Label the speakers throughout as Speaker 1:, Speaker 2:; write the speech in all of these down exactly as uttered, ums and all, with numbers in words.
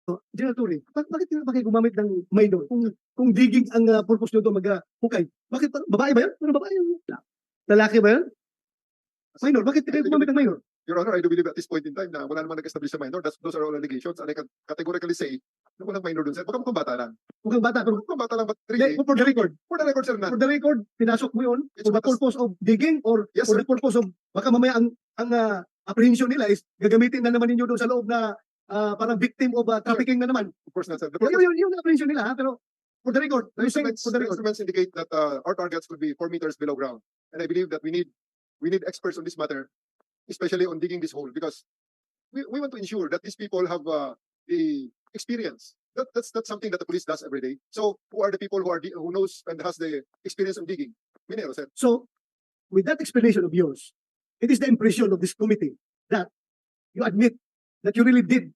Speaker 1: General Torre, bak bakit ba kayo gumamit ng minor kung kung digging ang uh, purpose nyo doon mag uh, hukay? Bakit babae ba yun? Ano babae yun? Lalaki ba yun? Minor, bakit kayo gumamit ng minor?
Speaker 2: Your Honor, I do believe at this point in time na wala naman nag-establish sa minor. That's, those are all allegations. And I can categorically say na walang minor dun, sir. Baka mukhang bata lang.
Speaker 1: Mukhang bata, pero
Speaker 2: Mukhang bata lang, but
Speaker 1: really,
Speaker 2: really,
Speaker 1: for the record,
Speaker 2: for the record, sir, na.
Speaker 1: for the record, pinasok mo yun
Speaker 2: It's
Speaker 1: for the
Speaker 2: what the-
Speaker 1: purpose of digging or
Speaker 2: Yes,
Speaker 1: for
Speaker 2: sir.
Speaker 1: the purpose of, baka mamaya ang, ang uh, apprehension nila is gagamitin na naman ninyo doon sa loob na uh, parang victim of uh, trafficking na naman.
Speaker 2: Of course not, sir. The
Speaker 1: Yun,
Speaker 2: purpose,
Speaker 1: yun, yun ang apprehension nila, ha? Pero for the record,
Speaker 2: the
Speaker 1: I'm saying
Speaker 2: instruments,
Speaker 1: for the
Speaker 2: the
Speaker 1: record.
Speaker 2: instruments indicate that uh, our targets could be four meters below ground. And I believe that we need we need experts on this matter, especially on digging this hole, because we, we want to ensure that these people have uh, the experience. That, that's that's something that the police does every day. So who are the people who are di- who knows and has the experience on digging? Minero, sir.
Speaker 1: So, with that explanation of yours, it is the impression of this committee that you admit that you really did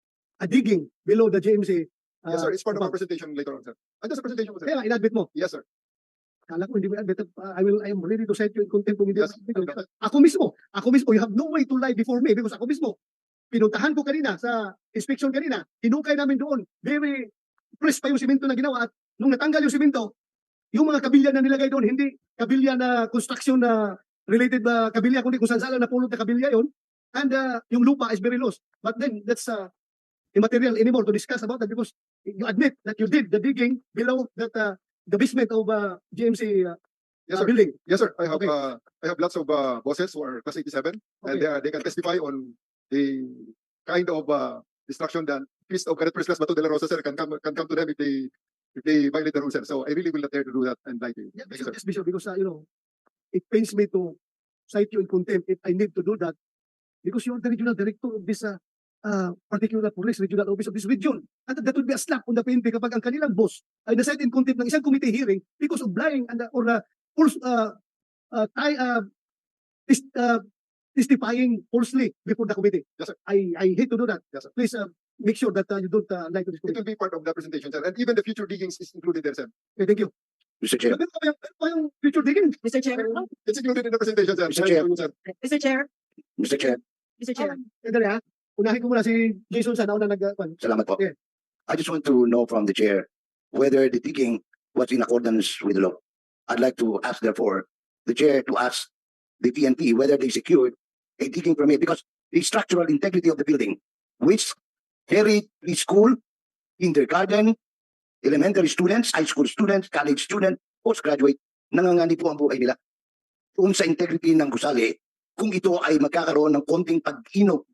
Speaker 1: a digging below the J M C. Uh,
Speaker 2: Yes, sir. It's part of our
Speaker 1: compound.
Speaker 2: presentation later on, sir. And just a presentation, sir.
Speaker 1: Kaya nga, inadmit mo.
Speaker 2: Yes, sir.
Speaker 1: Kala ko hindi mo inadmit. Uh, I will, I am ready to cite you in contempt kung hindi
Speaker 2: Yes.
Speaker 1: mo inadmit. Ako mismo, ako mismo, you have no way to lie before me because ako mismo, pinuntahan ko kanina sa inspection kanina, hinukay namin doon, very fresh pa yung simento na ginawa at nung natanggal yung simento, yung mga kabilya na nilagay doon, hindi kabilya na construction na related na kabilya, kundi kung saan saan na pulot na kabilya yon. And uh, yung lupa is very loose. But then, that's uh, immaterial anymore to discuss about that because you admit that you did the digging below that uh, the basement of uh, G M C uh,
Speaker 2: Yes,
Speaker 1: uh,
Speaker 2: sir.
Speaker 1: building.
Speaker 2: Yes, sir. I have
Speaker 1: Okay.
Speaker 2: uh, I have lots of uh, bosses who are class eighty-seven, and
Speaker 1: Okay.
Speaker 2: they are, they can testify on the kind of uh, destruction done. Priest of Cadet First Class Bato de la Rosa, sir, can come can come to them if they if they violate the rules, sir. So I really will not dare to do that and lie to you.
Speaker 1: Yeah,
Speaker 2: Thank you,
Speaker 1: Bishop,
Speaker 2: sir.
Speaker 1: yes, Bishop, because uh, you know, it pains me to cite you in contempt if I need to do that because you're the regional director of this uh, uh, particular police regional office of this region. And that would be a slap on the P N P kapag ang kanilang boss ay na-cite in contempt ng isang committee hearing because of lying and uh, or uh, false uh, uh, tie, uh, tis- uh, testifying falsely before the committee.
Speaker 2: Yes, sir.
Speaker 1: I I hate to do that.
Speaker 2: Yes, sir.
Speaker 1: Please uh, make sure that uh, you don't uh, lie to this
Speaker 2: It
Speaker 1: committee.
Speaker 2: will be part of the presentation, sir. And even the future diggings is included there, sir.
Speaker 1: Okay, thank you.
Speaker 3: Mister Chair,
Speaker 1: Meron pa ba yung, meron pa yung future digging?
Speaker 4: Mister Chair,
Speaker 2: It's included in the presentation, sir.
Speaker 3: Mister
Speaker 2: I
Speaker 3: Chair.
Speaker 2: assure you, sir.
Speaker 4: Mister Chair,
Speaker 3: Mister Chair,
Speaker 4: Mister Chair.
Speaker 1: Ah, Sandali ha. Unahin ko muna si Jason sa nauna nag... Uh,
Speaker 3: salamat po.
Speaker 1: Yeah.
Speaker 3: I just want to know from the chair whether the digging was in accordance with the law. I'd like to ask, therefore, the chair to ask the P N P whether they secured a digging permit because the structural integrity of the building, which carried preschool, kindergarten, elementary students, high school students, college students, postgraduate, nangangani po ang buhay nila. Kung sa integrity ng gusali, kung ito ay magkakaroon ng konting pag-inog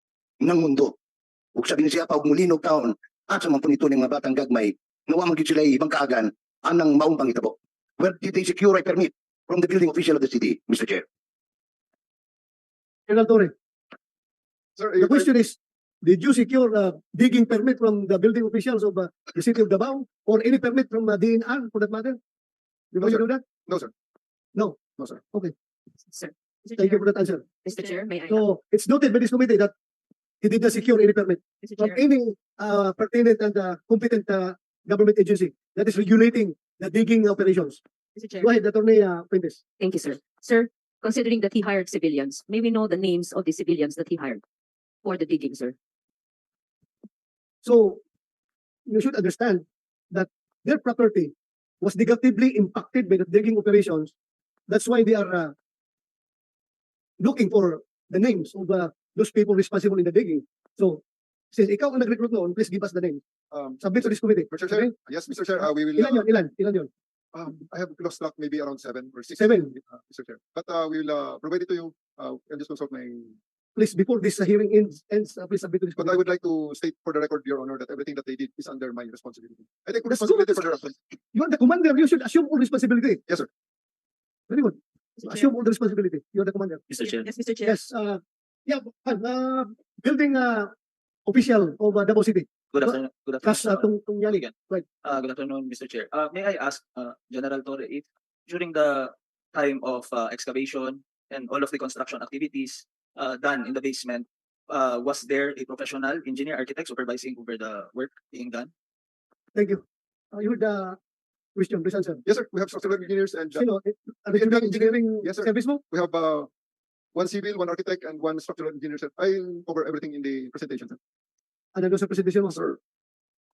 Speaker 3: ng mundo. Huwag sabihin siya pa, huwag mulinog taon, at sa mga punito ng mga batang gagmay, nawa magiging sila ibang kaagan, anang maumpang itabo. Where did they secure a permit from the building official of the city, Mister Chair?
Speaker 1: General Torre,
Speaker 2: Sir,
Speaker 1: the
Speaker 2: if I-
Speaker 1: question is, did you secure a digging permit from the building officials of uh, the city of Davao or any permit from uh, D N R for that matter? Did
Speaker 2: No,
Speaker 1: you
Speaker 2: sir.
Speaker 1: do that?
Speaker 2: No, sir.
Speaker 1: No.
Speaker 2: No, sir.
Speaker 4: Sir. Mister
Speaker 1: Thank you
Speaker 4: Chair,
Speaker 1: for that answer.
Speaker 4: Mister Chair, may I?
Speaker 1: So, it's noted by this committee that he did not secure any permit
Speaker 4: Mister
Speaker 1: from
Speaker 4: Chair,
Speaker 1: any uh, pertinent and uh, competent uh, government agency that is regulating the digging operations.
Speaker 4: Mister Chair.
Speaker 1: Go ahead, Attorney uh, Fuentes.
Speaker 4: Thank you, sir. Sir, considering that he hired civilians, may we know the names of the civilians that he hired for the digging, sir?
Speaker 1: So, you should understand that their property was negatively impacted by the digging operations. That's why they are uh, looking for the names of uh, those people responsible in the digging. So, since ikaw ang nag-recruit noon, please give us the name.
Speaker 2: Um,
Speaker 1: Submit to this committee.
Speaker 2: Mister Chair, yes, Mister Chair, uh, we will.
Speaker 1: Ilan
Speaker 2: uh,
Speaker 1: yun? Ilan? Ilan yun?
Speaker 2: Um, I have lost track, maybe around seven or six.
Speaker 1: Seven.
Speaker 2: uh, Mister Chair. But uh, we will uh, provide it to you. Uh, I'll just consult my.
Speaker 1: Please, before this uh, hearing ends, ends uh, please submit to this
Speaker 2: But I
Speaker 1: committee.
Speaker 2: would like to state for the record, Your Honor, that everything that they did is under my responsibility. I take
Speaker 1: That's
Speaker 2: responsibility
Speaker 1: good.
Speaker 2: for the response.
Speaker 1: You are the commander. You should assume all responsibility.
Speaker 2: Yes, sir.
Speaker 1: Very good.
Speaker 4: Mister Chair.
Speaker 1: Assume all the responsibility. You are the commander.
Speaker 5: Mister Chair.
Speaker 4: Yes, Mister Chair.
Speaker 1: Yes. Uh, yeah, uh, building uh, official of uh, Davao City.
Speaker 5: Good afternoon. Good
Speaker 1: Kas uh,
Speaker 5: afternoon.
Speaker 1: tung, tung yali.
Speaker 5: Again.
Speaker 1: Right.
Speaker 5: Uh, good afternoon, Mister Chair. Uh, may I ask uh, General Torre if during the time of uh, excavation and all of the construction activities uh, done in the basement, uh, was there a professional engineer architect supervising over the work being done?
Speaker 1: Thank you. Uh, you heard the question, please answer.
Speaker 2: Yes, sir. We have structural engineers and uh,
Speaker 1: Sino? Eh, Regional engineering
Speaker 2: Yes, sir.
Speaker 1: service mo?
Speaker 2: we have uh, one civil, one architect, and one structural engineer, sir. I'll cover everything in the presentation, sir.
Speaker 1: Ano doon sa presentation mo?
Speaker 2: Sir,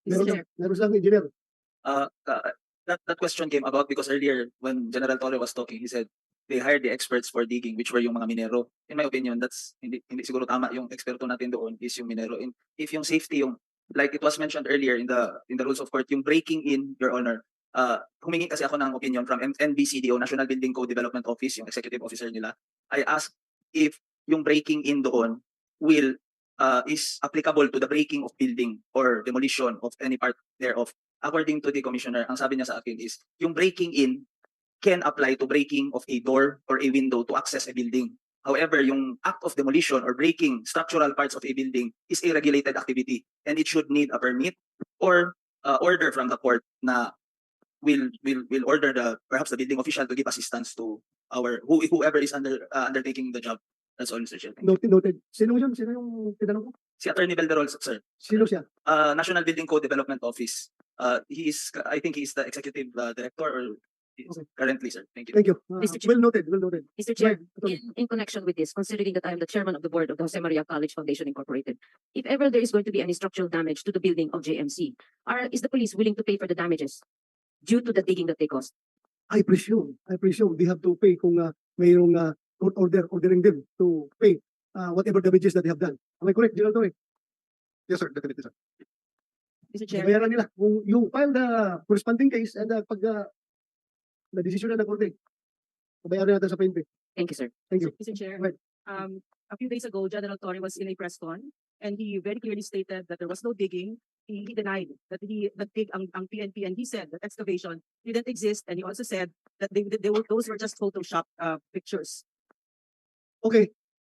Speaker 1: Meron
Speaker 4: Mister
Speaker 1: lang, meron lang, engineer.
Speaker 5: Uh, uh, that that question came about because earlier when General Torre was talking, he said they hired the experts for digging, which were yung mga minero. In my opinion, that's hindi hindi siguro tama. Yung eksperto natin doon is yung minero. And if yung safety, yung like it was mentioned earlier in the in the rules of court, yung breaking in, Your Honor, uh, humingi kasi ako ng opinion from N B C D O, National Building Code Development Office, yung executive officer nila. I asked if yung breaking in doon will uh, is applicable to the breaking of building or demolition of any part thereof. According to the commissioner, ang sabi niya sa akin is yung breaking in can apply to breaking of a door or a window to access a building. However, yung act of demolition or breaking structural parts of a building is a regulated activity and it should need a permit or uh, order from the court na will will will order the perhaps the building official to give assistance to our who, whoever is under uh, undertaking the job. That's all, Mister Chair. Thank you.
Speaker 1: Noted, noted. Sino yun? Sino yung tinanong ko?
Speaker 5: Si Attorney Belderol, sir.
Speaker 1: Sino siya?
Speaker 5: Uh, National Building Code Development Office. Uh, he is, I think he is the executive uh, director or he is
Speaker 1: Okay.
Speaker 5: currently, sir. Thank you.
Speaker 1: Thank you. Uh,
Speaker 4: Mister Chair.
Speaker 1: well noted, well noted.
Speaker 4: Mister Chair,
Speaker 1: Right, Attorney.
Speaker 4: in, in connection with this, considering that I am the chairman of the board of the Jose Maria College Foundation Incorporated, if ever there is going to be any structural damage to the building of J M C, are is the police willing to pay for the damages due to the digging that they caused?
Speaker 1: I presume, I presume they have to pay kung uh, mayroong uh, court order ordering them to pay uh, whatever damages that they have done. Am I correct, General Torre?
Speaker 2: Yes, sir, definitely, sir.
Speaker 4: Mister Chair,
Speaker 1: Bayaran nila. Kung yung file the corresponding case and uh, pag uh, na desisyon na ng korte, bayaran natin sa P N P.
Speaker 4: thank you, sir.
Speaker 1: Thank you.
Speaker 6: Mister Chair,
Speaker 1: Right.
Speaker 6: um, a few days ago, General Torre was in a press con, and he very clearly stated that there was no digging. He, he denied that he that dig ang, ang P N P, and he said that excavation didn't exist, and he also said that they, they were those were just Photoshop uh, pictures.
Speaker 1: Okay.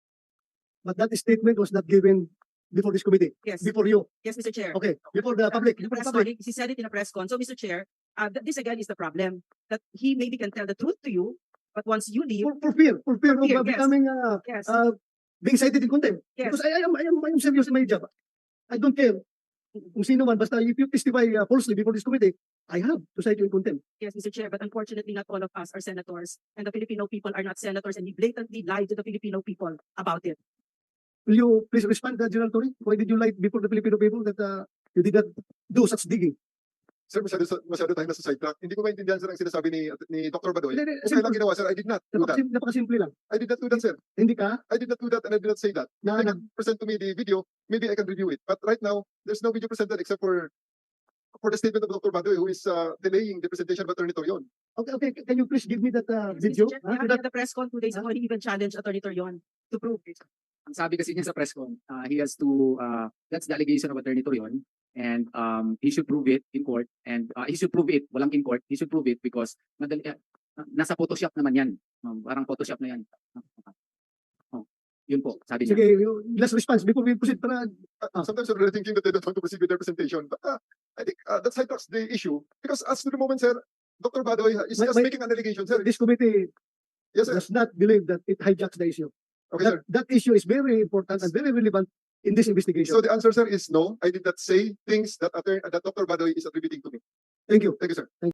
Speaker 1: But that statement was not given before this committee,
Speaker 6: Yes,
Speaker 1: before you.
Speaker 6: yes, Mister Chair.
Speaker 1: Okay, before the public.
Speaker 6: In a
Speaker 1: Before the
Speaker 6: press
Speaker 1: public.
Speaker 6: con, he said it in a press con. So, Mister Chair, uh, th- this again is the problem that he maybe can tell the truth to you, but once you leave,
Speaker 1: For, for fear, for fear of
Speaker 6: fear,
Speaker 1: uh,
Speaker 6: yes.
Speaker 1: becoming uh,
Speaker 6: yes,
Speaker 1: uh, being cited in contempt.
Speaker 6: yes,
Speaker 1: Because I, I am I am I am serious in my job. I don't care kung sino man, basta if you testify uh, falsely before this committee, I have to cite you in contempt.
Speaker 6: yes, Mister Chair. But unfortunately, not all of us are senators, and the Filipino people are not senators, and he blatantly lied to the Filipino people about it.
Speaker 1: Will you please respond, uh, General Torre? Why did you lie before the Filipino people that uh, you did not do such digging?
Speaker 2: Sir, masyado, masyado tayo nasa sidetrack. Hindi ko maintindihan, sir, ang sinasabi ni, ni Doctor Badoy.
Speaker 1: Hindi, hindi,
Speaker 2: Kung kailang
Speaker 1: simple.
Speaker 2: ginawa, sir, I did not do that.
Speaker 1: Napakasim- Napakasimple lang.
Speaker 2: I did not do that, sir.
Speaker 1: Hindi ka
Speaker 2: I did not do that and I did not say that.
Speaker 1: na,
Speaker 2: If
Speaker 1: na
Speaker 2: you can present to me the video, maybe I can review it. But right now, there's no video presented except for for the statement of Doctor Badoy, who is uh, delaying the presentation of Attorney Torion.
Speaker 1: okay, okay, can you please give me that uh,
Speaker 6: Yes,
Speaker 1: video?
Speaker 6: Mister Chair,
Speaker 1: Huh?
Speaker 6: he had the press con two days ago, he even challenged Attorney Torion to prove it.
Speaker 7: Ang sabi kasi niya sa press con, uh, he has to, uh, that's the allegation of Attorney Torion, and um, he should prove it in court, and uh, he should prove it, walang in court, he should prove it because madali, uh, nasa Photoshop naman yan. Um, parang Photoshop na yan. Oh, yun po, sabi niya.
Speaker 1: Sige, you- last response before we proceed para
Speaker 2: Uh, sometimes I'm really thinking that they don't want to proceed with their presentation. But uh, I think uh, that sidetracks the issue. Because as to the moment, sir, Doctor Badoy is
Speaker 1: My-
Speaker 2: just
Speaker 1: my-
Speaker 2: making an allegation, sir.
Speaker 1: this committee
Speaker 2: Yes, sir.
Speaker 1: does not believe that it hijacks the issue.
Speaker 2: Okay, sir.
Speaker 1: That, that issue is very important and very relevant in this investigation.
Speaker 2: So the answer, sir, is no. I did not say things that, Attorney, that Doctor Badoy is attributing to me.
Speaker 1: Thank you.
Speaker 2: Thank you, sir.